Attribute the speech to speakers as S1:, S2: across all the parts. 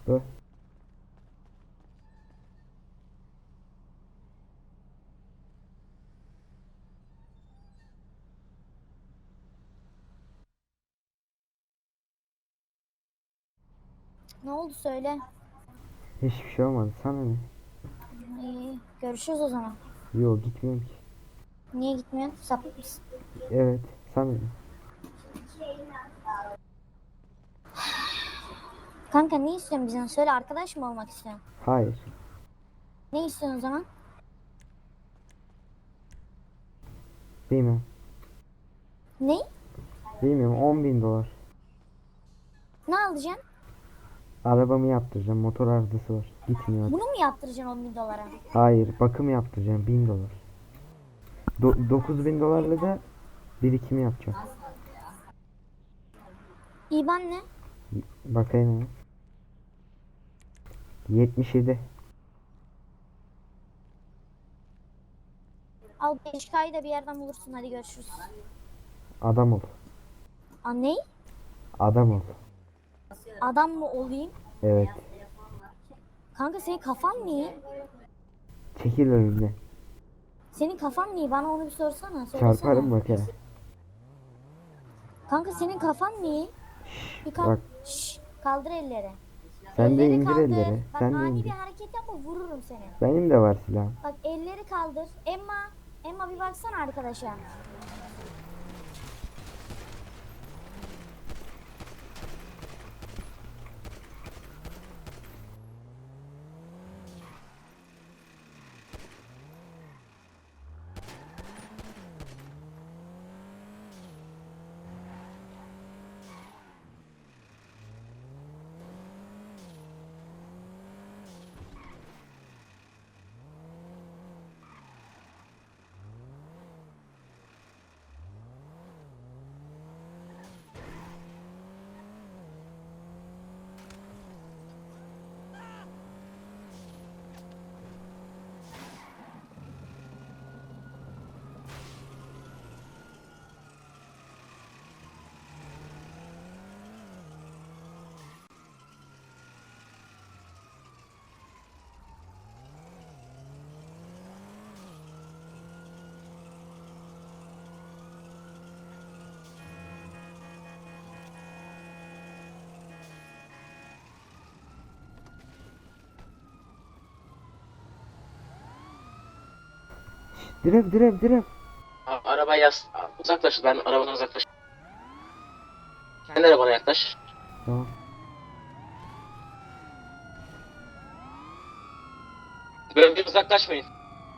S1: Ö.
S2: Ne oldu söyle.
S1: Hiçbir şey olmadı. Sana ne?
S2: İyi, görüşürüz o zaman.
S1: Yok, gitmiyorum ki.
S2: Niye gitmiyorsun? Sapık mısın?
S1: Evet. Sana ne?
S2: Kanka ne istiyorsun bizden? Söyle, arkadaş mı olmak istiyorsun?
S1: Hayır.
S2: Ne istiyorsun o zaman?
S1: Bilmem.
S2: Ne?
S1: Bilmiyorum. 10.000 dolar.
S2: Ne alacaksın?
S1: Arabamı yaptıracağım. Motor arızası var. Gitmiyor
S2: Bunu
S1: artık.
S2: mu yaptıracaksın 10 bin dolara?
S1: Hayır. Bakım yaptıracağım. 1.000 dolar. 9.000 dolarla da birikim yapacağım.
S2: İban ne?
S1: Bakayım hemen. 77.
S2: Al 5K'yı da bir yerden bulursun, hadi görüşürüz.
S1: Adam ol.
S2: Aa, ne?
S1: Adam ol.
S2: Adam mı olayım?
S1: Evet.
S2: Kanka senin kafan mı iyi?
S1: Çekil önümden.
S2: Senin kafan mı iyi? Bana onu bir sorsana, söylesene.
S1: Çarparım bak he.
S2: Kanka senin kafan mı iyi? Bir
S1: Bak.
S2: Şşş, kaldır elleri.
S1: Sen de
S2: Elleri
S1: indir
S2: kaldır.
S1: elleri.
S2: Bak
S1: Sen de
S2: ani bir
S1: indir.
S2: hareket yapma, vururum seni.
S1: Benim de var silahım.
S2: Bak elleri kaldır. Emma bir baksana arkadaşa.
S1: Direkt direkt direkt.
S3: Arabaya uzaklaş. Ben arabadan uzaklaş. Kendi arabana yaklaş.
S1: Tamam.
S3: Bölgeden uzaklaşmayın.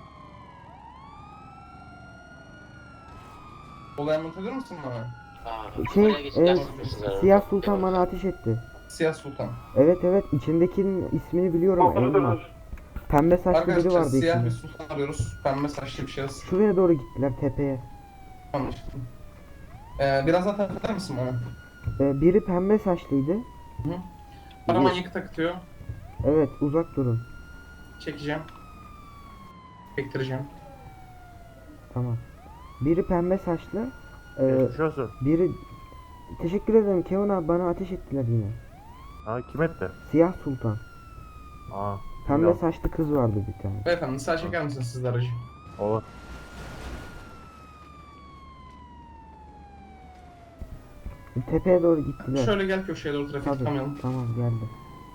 S4: Olay anlatabilir misin bana?
S3: Buraya geçip ders yapıyorsunuz
S1: Siyah
S3: aranızda.
S1: Sultan bana ateş etti.
S4: Siyah Sultan.
S1: Evet evet, içindekinin ismini biliyorum. Elma. Pembe saçlı biri
S4: Arkadaşlar
S1: vardı
S4: siyah bir
S1: içinde.
S4: sultan arıyoruz. Pembe saçlı bir şahıs.
S1: Şuraya doğru gittiler, tepeye.
S4: Anlaşıldı. Biraz daha tarif eder misin bana?
S1: Biri pembe saçlıydı.
S4: Hı. Araman yıkı takıtıyor.
S1: Evet, uzak durun.
S4: Çekeceğim. Çektireceğim.
S1: Tamam. Biri pembe saçlı.
S5: Geçmiş olsun.
S1: Biri... Teşekkür ederim Kevin abi, bana ateş ettiler yine.
S5: Ha, kim etti?
S1: Siyah Sultan.
S5: Aa,
S1: Pembe
S5: bilmiyorum.
S1: saçlı kız vardı bir tane.
S4: Beyefendi sağ çeker misiniz siz de aracı?
S5: Olur.
S1: Tepeye doğru gittiler.
S4: Şöyle gel köşeye doğru trafik
S1: Tabii,
S4: tıkamayalım.
S1: tamam geldi.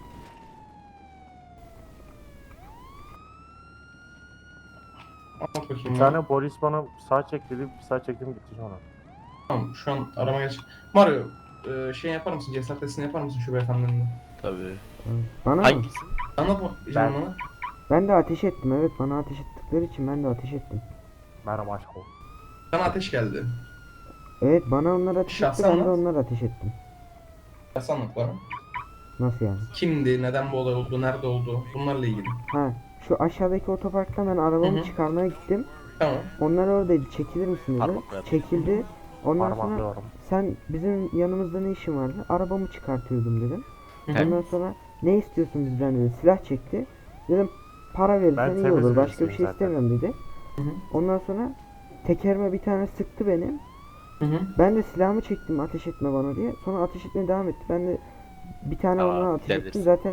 S4: Anlat bakayım
S5: Bir
S4: bana.
S5: tane polis bana sağ çek dedi, bir sağ çektim gitti sonra.
S4: Tamam şu an arama geç. Mario şey yapar mısın? Cesaret testini yapar mısın şu beyefendinin?
S6: Tabii.
S1: Tamam. Bana mı?
S6: Hangisi?
S4: Anlat canım bana.
S1: Ben de ateş ettim, evet, bana ateş ettikleri için ben de ateş ettim.
S5: Merhaba aşk ol.
S4: Sana ateş geldi.
S1: Evet, bana onlar ateş etti,
S4: Şahsen
S1: ben de
S4: anlat.
S1: onlar ateş ettim.
S4: Nasıl anlat bana?
S1: Nasıl yani?
S4: Kimdi, neden bu olay oldu, nerede oldu? Bunlarla ilgili.
S1: Ha, şu aşağıdaki otoparktan ben arabamı
S4: Hı hı.
S1: çıkarmaya gittim.
S4: Tamam.
S1: Onlar oradaydı, çekilir misin dedi.
S6: Parmakla
S1: Çekildi. Ondan sonra
S5: Parmaklıyorum.
S1: sen bizim yanımızda ne işin vardı? Arabamı çıkartıyordum dedim.
S4: Hı hı.
S1: Ondan sonra ne istiyorsun bizden dedi. Silah çekti. Dedim para
S5: Ben
S1: verirsen iyi
S5: temiz
S1: olur. Başka bir
S5: birisiyim
S1: şey
S5: zaten.
S1: istemiyorum dedi.
S4: Hı hı.
S1: Ondan sonra tekerime bir tane sıktı benim.
S4: Hı hı.
S1: Ben de silahımı çektim ateş etme bana diye. Sonra ateş etmeye devam etti. Ben de bir tane
S6: Tamam,
S1: ona ateş ettim.
S6: gidebilirsin.
S1: Zaten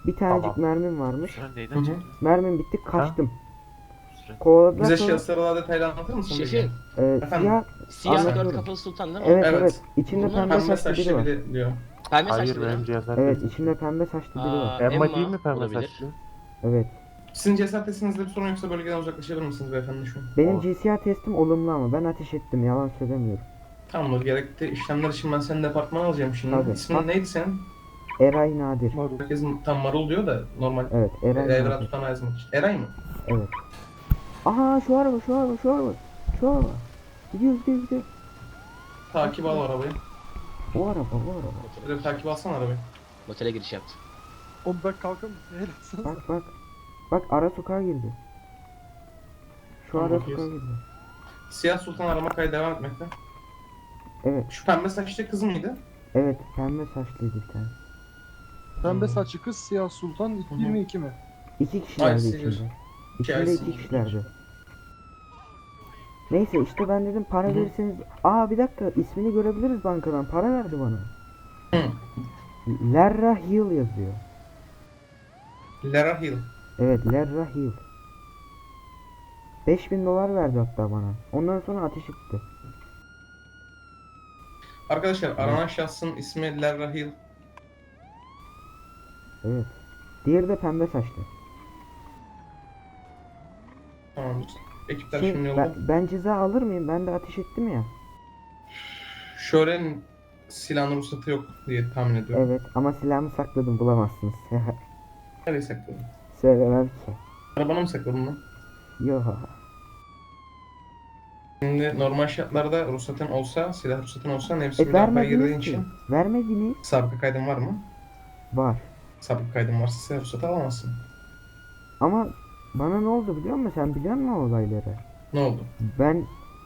S1: Bir tanecik
S5: Tamam.
S1: mermim varmış.
S6: Süren
S4: Hı
S6: neyden
S4: hı.
S6: çekti?
S1: Mermim bitti, kaçtım.
S6: Süren.
S1: Kovaladılar
S4: Bize
S1: sonra
S4: şahısları daha detaylı anlatır mısın?
S3: Şefim.
S4: Efendim?
S1: siyah,
S3: Siyah
S1: Anlatıyorum.
S3: dört kafalı sultan değil mi?
S1: evet
S4: Evet.
S1: evet, içinde
S3: Bunlar
S1: pembe
S4: Pembe
S1: saçlı biri
S4: saçlı
S1: var.
S4: biri diyor.
S3: Pembe
S5: Hayır
S3: saçlı biri.
S5: benim cesaret
S1: Evet,
S5: testim.
S1: içinde pembe saçlı biri var.
S5: Emma değil mi pembe
S3: olabilir.
S5: saçlı?
S1: Evet.
S4: Sizin cesaret testinizde bir sorun yoksa bölgeden uzaklaşabilir misiniz beyefendi şu an?
S1: Benim
S5: Olur.
S1: GCR testim olumlu ama ben ateş ettim, yalan söylemiyorum.
S4: Tamamdır. Gerekli işlemler için ben senin departmana alacağım şimdi.
S1: Tabii.
S4: İsmin
S1: Bak.
S4: neydi senin?
S1: Eray Nadir.
S4: Herkes tam Marul diyor da normal.
S1: Evet, Eray
S4: Evra
S1: Nadir.
S4: tutanağı yazmak için. Eray mı?
S1: Evet. Aha, şu araba, şu araba, şu araba. Şu araba. Gidiyor, gidiyor, gidiyor.
S4: Takip al arabayı.
S1: O araba, o araba.
S4: Şöyle bir takip alsana arabayı.
S3: Motele giriş yaptı.
S7: Oğlum ben kalkamıyorum. Helal
S1: Bak bak. Bak, ara sokağa girdi. Şu
S4: Tamam,
S1: ara
S4: bakıyoruz.
S1: sokağa girdi.
S4: Siyah Sultan arama kaydı devam etmekte.
S1: Evet,
S4: Şu pembe saçlı kız mıydı?
S1: evet, pembe saçlıydı bir tane.
S7: Pembe saçlı kız siyah sultan
S4: Hı hı.
S7: 22 mi?
S1: İki kişilerdi
S4: Ay,
S1: içinde.
S4: sinir.
S1: İçinde
S4: Ay,
S1: iki
S4: sinir.
S1: kişilerdi. Neyse işte ben dedim para
S4: Hı hı.
S1: verirseniz... Aa, bir dakika, ismini görebiliriz bankadan, para verdi bana.
S4: Hı.
S1: Lerra Hill yazıyor.
S4: Lara Hill.
S1: Evet, Lerra Hill. 5000 dolar verdi hatta bana. Ondan sonra ateş etti.
S4: Arkadaşlar aranan şahsın ismi Lara Hill.
S1: Evet. Diğeri de pembe saçlı.
S4: Tamamdır. Ekipler
S1: Şey,
S4: şimdi yolda.
S1: ben ceza alır mıyım? Ben de ateş ettim ya.
S4: Şöhre'nin silahın ruhsatı yok diye tahmin ediyorum.
S1: Evet, ama silahımı sakladım, bulamazsınız.
S4: Nereye sakladın?
S1: Söylemem ki.
S4: Arabana mı sakladın lan?
S1: Yo.
S4: Şimdi normal şartlarda ruhsatın olsa, silah ruhsatın olsa nefsi müdafaa girdiğin
S1: Vermediniz ki.
S4: için
S1: Vermediniz.
S4: sabıka kaydın var mı?
S1: Var.
S4: Sabıka kaydın varsa silah ruhsatı alamazsın.
S1: Ama bana ne oldu biliyor musun? Sen biliyor musun o olayları?
S4: Ne oldu?
S1: Ben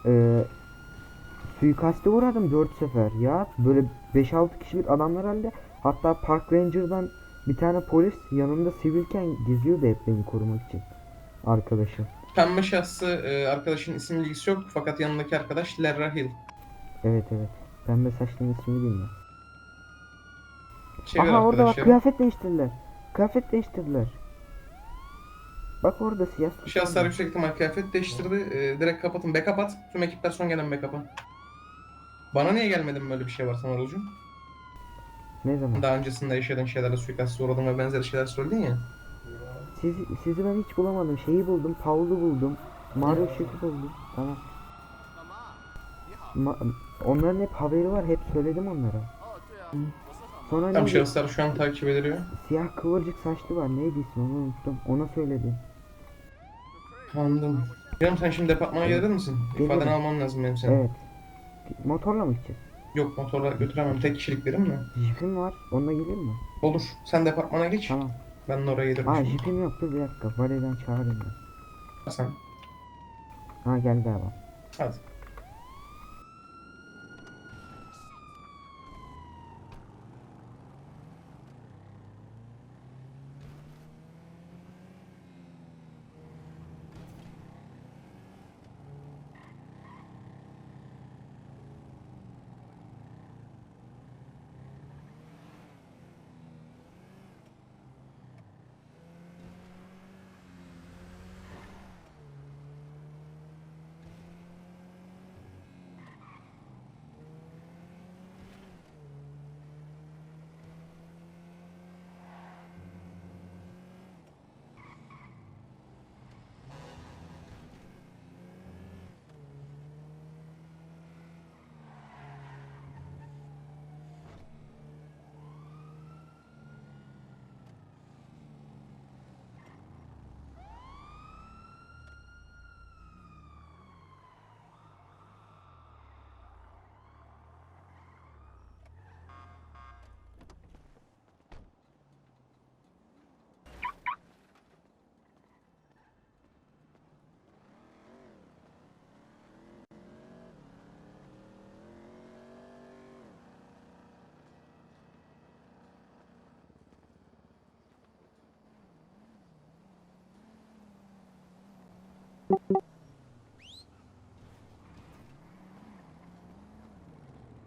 S1: suikaste uğradım 4 sefer ya. Böyle 5-6 kişilik adamlar halde. Hatta Park Ranger'dan bir tane polis yanımda sivilken geziyordu hep beni korumak için. Arkadaşım.
S4: Pembe şahsı arkadaşın isim bilgisi yok fakat yanındaki arkadaş Lara Hill.
S1: Evet evet. Pembe saçlının ismini bilmiyorum.
S4: Çevir
S1: Aha, orada bak,
S4: arkadaşları.
S1: kıyafet değiştirdiler. Kıyafet değiştirdiler. Bak orada siyah.
S4: Şahıslar yüksek ihtimal kıyafet değiştirdi. Direkt kapatın. Backup at. Tüm ekipler son gelen backup'a. Bana niye gelmedin böyle bir şey var Samarulcuğum?
S1: Ne zaman?
S4: Daha öncesinde yaşadığın şeylerle suikastı uğradın ve benzeri şeyler söyledin ya.
S1: Sizi ben hiç bulamadım. Şeyi buldum. Paul'u buldum. Mario Şef'i buldum. Tamam. Onların hep haberi var. Hep söyledim onlara. Sonra
S4: Tam
S1: neydi?
S4: şahıslar şu an takip ediliyor.
S1: Siyah kıvırcık saçlı var. Neydi ismi, onu unuttum. Ona söyledim.
S4: Anladım. Canım sen şimdi departmana gelir misin?
S1: Gelirim.
S4: İfadeni alman lazım benim senin.
S1: Evet. Motorla mı gideceğiz?
S4: Yok motorla götüremem. Tek kişiliklerim mi?
S1: Jipim var. Onunla gelir mi?
S4: Olur. Sen departmana geç.
S1: Tamam.
S4: Ben de oraya gelirim
S1: Aa,
S4: şimdi.
S1: jipim yok. Dur bir dakika. Valeden çağırayım ben.
S4: Sen.
S1: Ha, gel galiba.
S4: Hadi.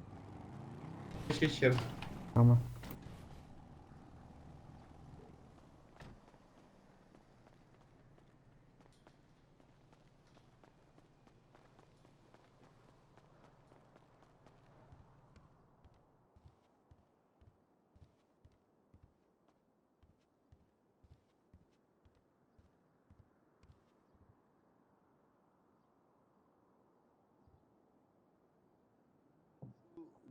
S4: Geç geç içeri.
S1: Tamam.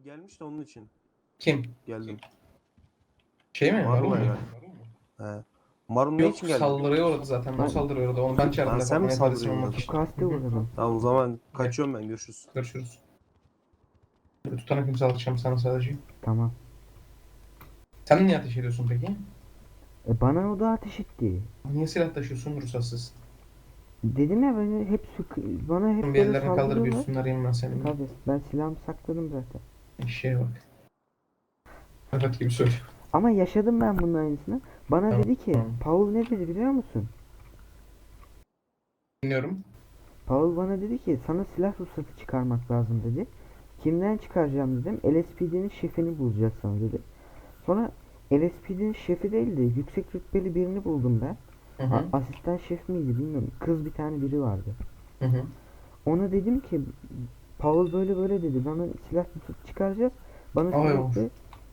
S6: gelmiş de onun için
S4: Kim?
S6: geldim.
S4: Şey mi? Marul
S6: Marul'a
S4: mu?
S6: yani. He. Marul ne
S4: Yok,
S6: için geldi?
S4: saldırıya uğradı zaten. O
S1: Ben-
S4: saldırıya uğradı. Onu ben çağırdım.
S6: Ha, sen mi
S4: departmana
S6: saldırıya
S4: ifaresini almak
S6: uğradın?
S4: için.
S1: Sukaste
S4: Hı hı.
S1: uğradım.
S6: Tamam o zaman kaçıyorum ben, görüşürüz.
S4: Görüşürüz. Tutanak imzalatacağım sana sadece.
S1: Tamam.
S4: Sen niye ateş ediyorsun peki?
S1: Bana o da ateş etti.
S4: Niye silah taşıyorsun ruhsatsız?
S1: Dedim ya beni hep bana hep
S4: Bir
S1: böyle
S4: ellerini kaldır bir
S1: saldırıyorlar.
S4: üstünü arayayım ben senin.
S1: Tabii ben silahımı sakladım zaten.
S4: Eşeğe bak. Evet gibi söylüyor.
S1: Ama yaşadım ben bunun aynısını. Bana
S4: Tamam,
S1: dedi ki,
S4: tamam.
S1: Paul ne dedi biliyor musun?
S4: Dinliyorum.
S1: Paul bana dedi ki sana silah ruhsatı çıkarmak lazım dedi. Kimden çıkaracağım dedim. LSPD'nin şefini bulacağız sana dedi. Sonra LSPD'nin şefi değil de yüksek rütbeli birini buldum ben.
S4: Hı hı.
S1: Asistan şef miydi bilmiyorum. Kız bir tane biri vardı.
S4: Hı hı.
S1: Ona dedim ki Paul böyle böyle dedi. Bana silah ruhsatı çıkaracağız. Bana
S4: Ay
S1: sürekli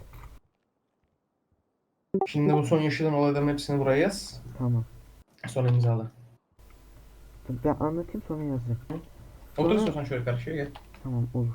S4: Şimdi bu son yaşadığın olayların hepsini buraya yaz.
S1: tamam.
S4: Sonra imzala.
S1: Ben anlatayım sonra yazacağım.
S4: Otur
S1: Sonra-
S4: istiyorsan şöyle karşıya gel.
S1: Tamam olur.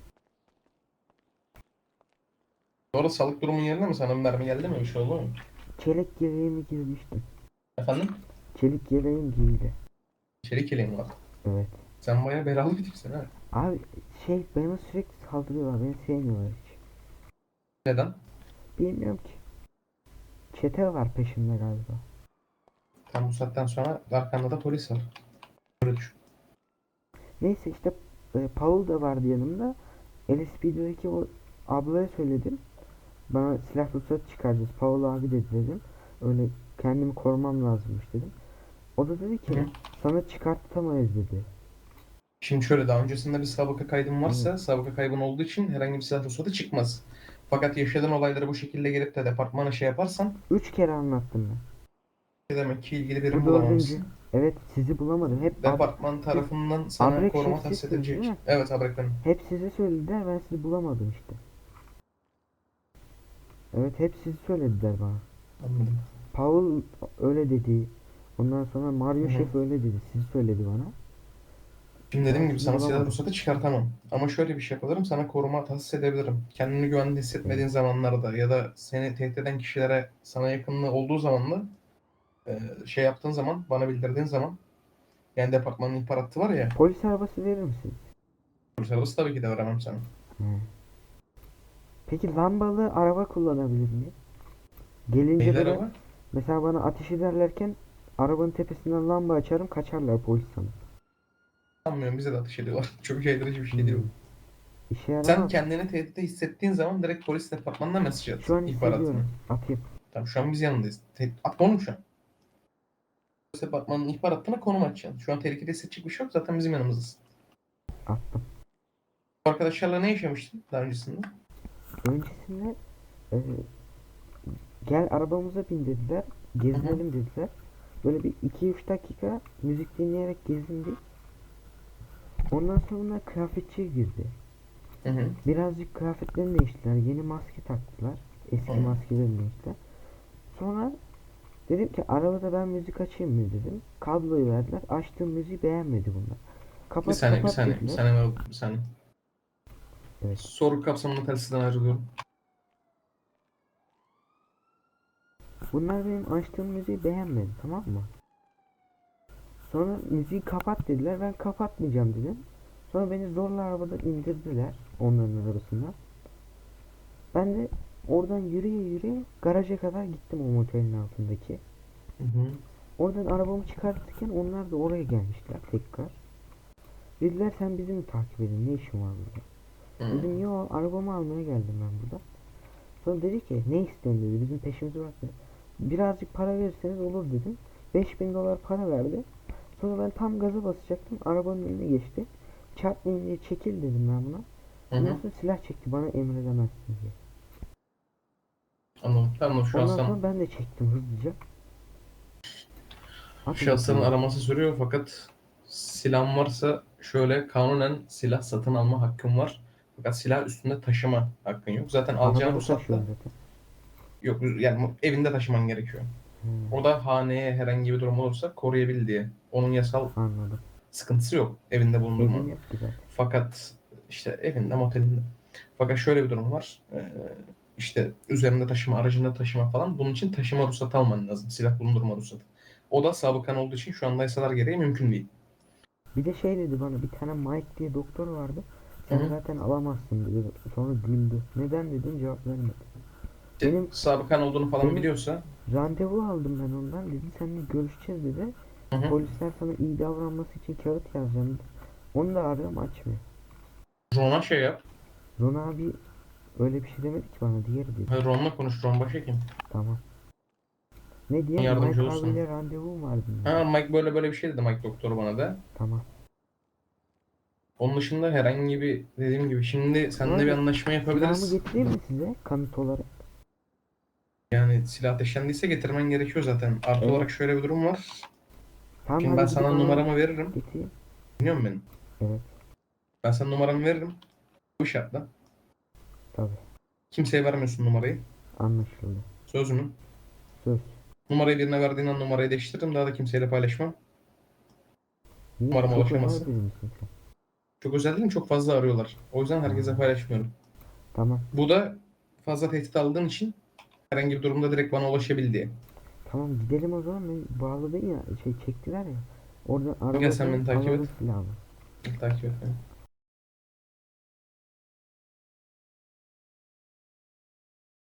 S4: Bu arada sağlık durumun yerine mi? Sana bir mermi geldi mi? Bir şey oldu mu?
S1: Çelik yeleğimi giymiştim.
S4: Efendim?
S1: Çelik yeleğim giydi.
S4: Çelik yeleğin var.
S1: Evet.
S4: Sen bayağı belalı bir tipsin ha.
S1: Abi bana sürekli saldırıyorlar. Beni sevmiyorlar hiç.
S4: Neden?
S1: Bilmiyorum ki. Çete var peşimde galiba.
S4: Tam bu saatten sonra arkanda da polis var. Böyle düşün.
S1: Neyse işte Paul da vardı yanımda. LSPD'deki o ablaya söyledim. Bana silah ruhsatı çıkaracağız. Paul abi dedi dedim. Öyle kendimi korumam lazımmış dedim. O da dedi ki
S4: Hı.
S1: sana çıkartamayız dedi.
S4: Şimdi şöyle, daha öncesinde bir sabıka kaydın varsa
S1: Evet.
S4: sabıka kaybın olduğu için herhangi bir silah ruhsatı çıkmaz. Fakat yaşadığın olayları bu şekilde gelip de departmana şey yaparsan
S1: 3 kere anlattım ben.
S4: demek ki ilgili
S1: Bu
S4: birini
S1: dördüncü.
S4: bulamamışsın.
S1: Evet sizi bulamadım. Hep
S4: Departman tarafından sana
S1: Abrek
S4: koruma
S1: şef
S4: tahsis
S1: sizsiniz, değil
S4: edilecek.
S1: mi?
S4: Evet, Abrek benim.
S1: hep sizi söylediler. Ben sizi bulamadım işte. Evet hep sizi söylediler bana.
S4: Anladım.
S1: Paul öyle dedi. Ondan sonra Mario
S4: Hı hı.
S1: Şef öyle dedi. Sizi söyledi bana.
S4: Şimdi dediğim
S1: Ben
S4: gibi
S1: sizi
S4: sana silah
S1: bulamadım.
S4: ruhsatı çıkartamam. Ama şöyle bir şey yapabilirim. Sana koruma tahsis edebilirim. Kendini güvende hissetmediğin zamanlarda ya da seni tehdit eden kişilere sana yakınlığı olduğu zaman da şey yaptığın zaman, bana bildirdiğin zaman, yani departmanın ihbar hattı var ya,
S1: Polis arabası verir misiniz?
S4: polis arabası tabii ki de veremem sana.
S1: He. Peki lambalı araba kullanabilir miyim? Gelince
S4: Neyler
S1: böyle
S4: ama?
S1: mesela bana ateş ederlerken arabanın tepesinden lamba açarım kaçarlar polis sanır.
S4: Sanmıyorum, bize de ateş ediyorlar. Çok caydırıcı bir şey değil bu.
S1: İşe
S4: Sen
S1: yaramaz.
S4: kendini tehditte hissettiğin zaman direkt polis departmanına mesaj at.
S1: Şu an
S4: ihbaratını.
S1: hissediyorum. Atayım.
S4: Tamam, şu an biz yanındayız. Atma oğlum şu an. Polis departmanının ihbar hattına konum açacaksın. Şu an tehlikede hissedecek bir şey yok. Zaten bizim yanımızdasın.
S1: Attım.
S4: Bu arkadaşlarla ne yaşamıştın daha öncesinde?
S1: Öncesinde e, gel arabamıza bin dediler. Gezinelim dediler. Böyle bir 2-3 dakika müzik dinleyerek gezindik. Ondan sonra kıyafetçiye girdi.
S4: Hı hı.
S1: Birazcık kıyafetlerini değiştiler. Yeni maske taktılar. Eski
S4: Hı.
S1: maskelerini değiştiler. Sonra dedim ki arabada ben müzik açayım mı dedim. Kabloyu verdiler. Açtığım müziği beğenmedi bunlar. Kapat
S4: Bir saniye, bir
S1: kapat
S4: saniye, bir
S1: dediler.
S4: saniye, bir saniye.
S1: Evet.
S4: Soru kapsamında telsizden ayrılıyorum.
S1: Bunlar benim açtığım müziği beğenmedi, tamam mı? Sonra müziği kapat dediler. Ben kapatmayacağım dedim. Sonra beni zorla arabadan indirdiler. Onların arabasından. Ben de oradan yürüye yürüye garaja kadar gittim o motelin altındaki.
S4: Hı hı.
S1: Oradan arabamı çıkartırken onlar da oraya gelmişler tekrar. Dediler sen bizi mi takip edin? Ne işin var burada?
S4: Hı.
S1: Dedim yo arabamı almaya geldim ben burada. Sonra dedi ki ne istiyorsun dedi. Bizim peşimizi bıraktı. Birazcık para verirseniz olur dedim. 5.000 dolar para verdi. Sonra ben tam gaza basacaktım. Arabanın önüne geçti. Çarpmayın diye çekil dedim ben buna.
S4: Hı
S1: Ondan
S4: hı.
S1: sonra silah çekti bana emredemezsin diye.
S4: Anladım. Tamam, şu an
S1: Ondan
S4: sen
S1: sonra ben de çektim hızlıca. Hadi
S4: şahsların
S1: bakalım.
S4: araması sürüyor, fakat silahın varsa şöyle, kanunen silah satın alma hakkın var. Fakat silah üstünde taşıma hakkın yok. Zaten alacağın
S1: Arabada
S4: ruhsat da
S1: taşıyorum zaten.
S4: yok. Yani evinde taşıman gerekiyor.
S1: Hmm,
S4: O da haneye herhangi bir durum olursa koruyabil diye. Onun yasal
S1: anladım.
S4: sıkıntısı yok evinde bulundurma.
S1: Evim yok ki zaten.
S4: Fakat işte evinde, motelinde. Fakat şöyle bir durum var. İşte üzerinde taşıma, aracında taşıma falan. Bunun için taşıma ruhsatı alman lazım. Silah bulundurma ruhsatı. O da sabıkan olduğu için şu anda yasalar gereği mümkün değil.
S1: Bir de şey dedi bana, bir tane Mike diye doktor vardı. Sen
S4: Hı hı.
S1: zaten alamazsın dedi. Sonra güldü. Neden dedim, cevap vermedi.
S4: İşte
S1: Benim-
S4: sabıkan olduğunu falan
S1: benim-
S4: biliyorsa
S1: Randevu aldım ben ondan, dedi seninle görüşeceğiz dedi.
S4: hı hı.
S1: Polisler sana iyi davranması için kağıt yazacağım dedi. Onu da arıyorum, açmıyor.
S4: Ron'a şey yap.
S1: Ron abi öyle bir şey demedi ki bana, diğeri dedi.
S4: Hayır, Ron'la konuş. Ron başhekim.
S1: Tamam. Ne diye?
S4: Yardımcı
S1: Mike
S4: olursun.
S1: abiyle randevum var dedi.
S4: Ha, Mike böyle bir şey dedi, Mike doktor bana da.
S1: Tamam.
S4: Onun dışında herhangi bir, dediğim gibi şimdi seninle bir
S1: Abi,
S4: anlaşma
S1: Silahımı
S4: yapabiliriz.
S1: getireyim mi size kanıt olarak?
S4: Yani silah ateşlendiyse getirmen gerekiyor zaten. Artı
S1: Evet.
S4: olarak şöyle bir durum var.
S1: Tamam,
S4: Şimdi
S1: hadi
S4: ben
S1: gidip
S4: sana
S1: alalım.
S4: numaramı veririm.
S1: Getireyim.
S4: Biliyor musun beni?
S1: Evet.
S4: Ben sana numaramı veririm. Bu şartla.
S1: Tabii.
S4: Kimseye vermiyorsun numarayı.
S1: Anlaşıldı.
S4: Söz mü?
S1: Söz.
S4: Numarayı birine verdiğin an numarayı değiştiririm. Daha da kimseyle paylaşmam.
S1: Niye?
S4: Umarım
S1: Çok
S4: ulaşamazsın.
S1: özel biri misin sen?
S4: Çok özel değil, çok fazla arıyorlar. O yüzden herkese paylaşmıyorum.
S1: Tamam.
S4: Bu da fazla tehdit aldığın için herhangi bir durumda direkt bana ulaşabil diye.
S1: Tamam, gidelim o zaman. Ben bağladın ya, şey çektiler ya. Oradan
S4: Gel sen
S1: arabadan
S4: beni takip
S1: alalım
S4: et.
S1: silahımı.
S4: Takip et beni.